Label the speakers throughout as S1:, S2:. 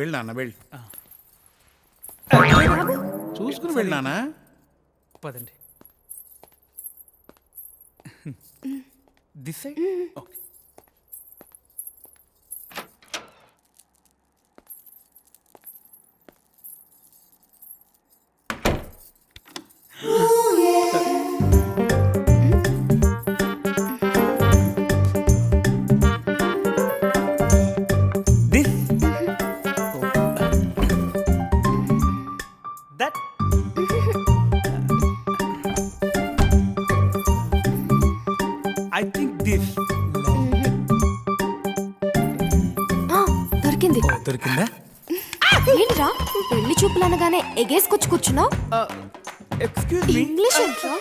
S1: వెళ్ళు నాన్న వెళ్ళు. చూసుకుని వెళ్ళు నాన్న.
S2: పదండి. This side. Okay. I think this.
S3: దొరికింది.
S2: దొరికిందా?
S3: ఏంట్రా పెళ్లి చూపులు అనగానే ఎగేసుకొచ్చి కూర్చున్నావు?
S2: Excuse me.
S3: ఇంగ్లీష్ ఏంట్రా?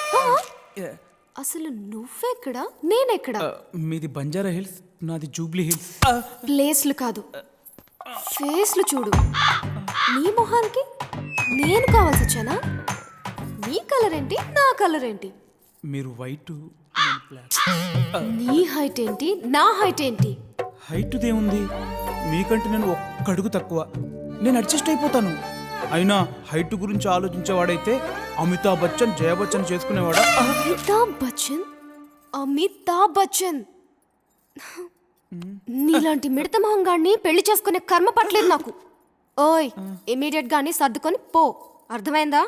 S3: అసలు నువ్వెక్కడా నేనెక్కడా?
S2: మీది బంజారా హిల్స్, నాది జూబ్లీ హిల్స్.
S3: ప్లేస్లు కాదు ఫేస్లు చూడు. నీ మొహానికి నేను కావాల్సి వచ్చానా? నీ కలర్ ఏంటి నా కలర్ ఏంటి?
S2: మీరు వైట్, బ్లాక్.
S3: నీ హైట్ ఏంటి నా హైట్ ఏంటి?
S2: హైట్ దేముంది, మీకంటే నేను ఒక్క అడుగు తక్కువ. నేను అడ్జస్ట్ అయిపోతాను. అయినా హైట్ గురించి ఆలోచించేవాడైతే అమితాబ్ బచ్చన్, జయ బచ్చన్ చేసుకునేవాడా?
S3: అమితాబ్ బచ్చన్, అమితాబ్ బచ్చన్. నీలాంటి మిడత మొహంగాన్ని పెళ్లి చేసుకునే కర్మ పట్టలేదు నాకు. ఓయ్ ఇమీడియట్ గాని సర్దుకొని పో, అర్థమైందా?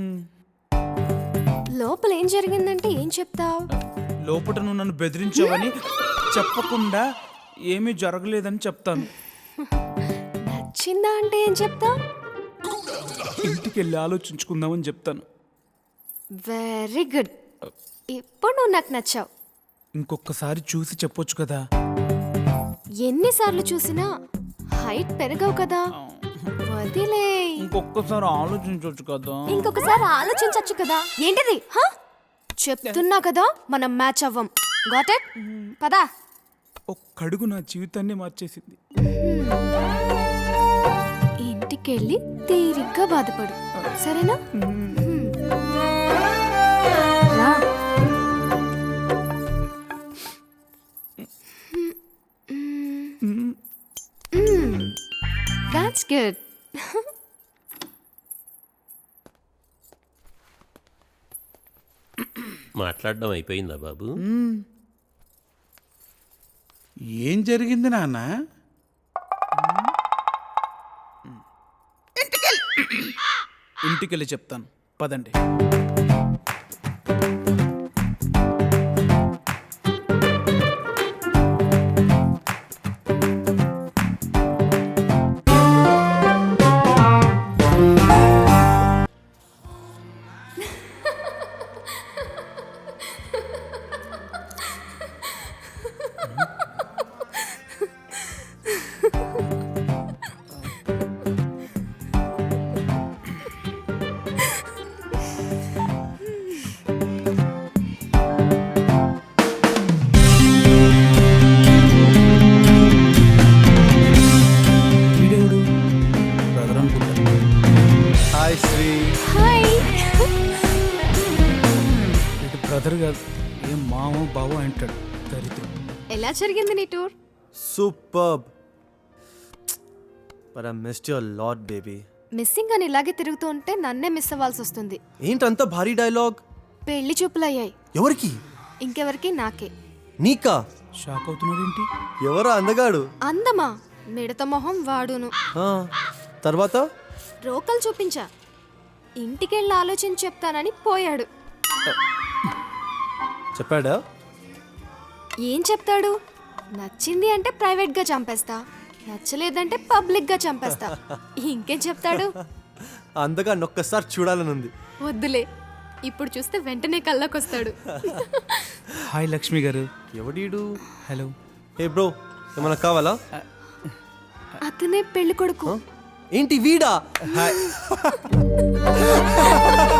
S3: లోపల ఏం జరిగిందంటే ఏం చెప్తావ్?
S2: లోపట నువ్వు నన్ను బెదిరించావని చెప్పకుండా ఏమీ జరగలేదని చెప్తాను.
S3: నచ్చిందా అంటే ఏం చెప్తావ్?
S2: ఇంటికి వెళ్ళి ఆలోచించుకుందామని చెప్తాను.
S3: Very good. ఇప్పుడు నువ్వు నాకు నచ్చావు.
S2: ఇంకొకసారి చూసి చెప్పొచ్చు కదా.
S3: ఎన్నిసార్లు చూసినా హైట్ పెరగవు కదా, వదిలే.
S2: ఇంకొకసారి ఆలోచించవచ్చు కదా.
S3: ఇంకొకసారి ఆలోచించచ్చు కదా. ఏంటిది? చెప్తున్నా కదా మనం మ్యాచ్ అవ్వం. Got it? పదా.
S2: ఒక్కడుగు నా జీవితాన్ని మార్చేసింది.
S3: ఇంటికెళ్ళి తీరిగ్గా బాధపడు, సరేనా? రా. That's good.
S4: మాట్లాడడం అయిపోయిందా బాబు?
S1: ఏం జరిగింది నాన్న?
S2: ఇంటికెళ్ళి చెప్తాను, పదండి. బ్రదర్ కాదు, ఏం మామ బావ అంటాడు.
S3: ఎలా జరిగింది నీ tour?
S5: Superb. But I missed your lot baby.
S3: Missing అని ఇలాగే తిరుగుతూ ఉంటే నన్నే మిస్ అవ్వాల్సి వస్తుంది.
S5: ఏంటంత భారీ డైలాగ్?
S3: పెళ్లి చూపులయ్యాయి.
S5: ఎవరికి?
S3: ఇంకెవరికి? నాకే.
S5: నీకా?
S2: షాక్ అవుతున్నాడేంటి?
S5: ఎవరా అందగాడు?
S3: అందమా? మిడత మొహం వాడును.
S5: తర్వాత
S3: రోకలు చూపించా. ఇంటికెళ్ళి ఆలోచించి చెప్తానని పోయాడు.
S5: చెప్పాడా?
S3: ఏం చెప్తాడు? నచ్చింది అంటే ప్రైవేట్ గా చంపేస్తా, నచ్చలేదంటే పబ్లిక్ గా చంపేస్తా. ఇంకేం చెప్తాడు?
S5: అందగా నొక్కసారి చూడాలని ఉంది.
S3: వద్దులే, ఇప్పుడు చూస్తే వెంటనే కళ్ళకొస్తాడు.
S2: హాయ్ లక్ష్మి గారు.
S5: ఎవడీడు?
S2: హలో.
S5: ఏ బ్రో, ఏమన్నా కావాలా?
S3: అతనే పెళ్లి కొడుకు.
S5: ఏంటి వీడా?
S2: హాయ్.